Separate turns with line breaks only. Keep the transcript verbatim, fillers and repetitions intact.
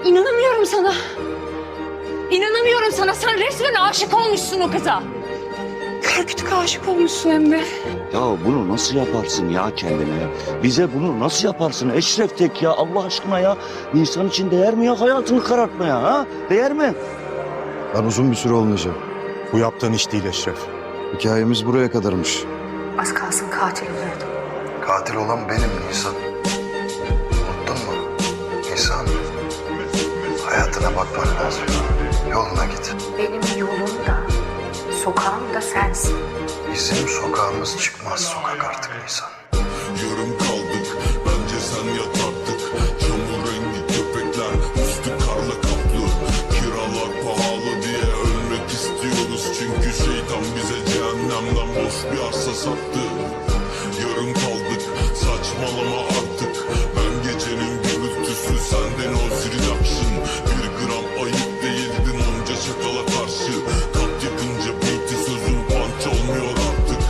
İnanamıyorum sana. İnanamıyorum sana. Sen resmen aşık olmuşsun o kıza. Kör kütük aşık olmuşsun hem de.
Ya bunu nasıl yaparsın ya kendine? Bize bunu nasıl yaparsın Eşref Tek ya Allah aşkına ya? İnsan için değer mi ya hayatını karartmaya ha? Değer mi?
Ben uzun bir süre olmayacağım.
Bu yaptığın iş değil Eşref.
Hikayemiz buraya kadarmış.
Az kalsın katil oluyordum.
Katil olan benim Nisan. Unuttun mu? Nisan. Hayatına bakman lazım. Yoluna git.
Benim yolum da, sokağım da sensin.
Bizim sokağımız çıkmaz sokak artık Nisan.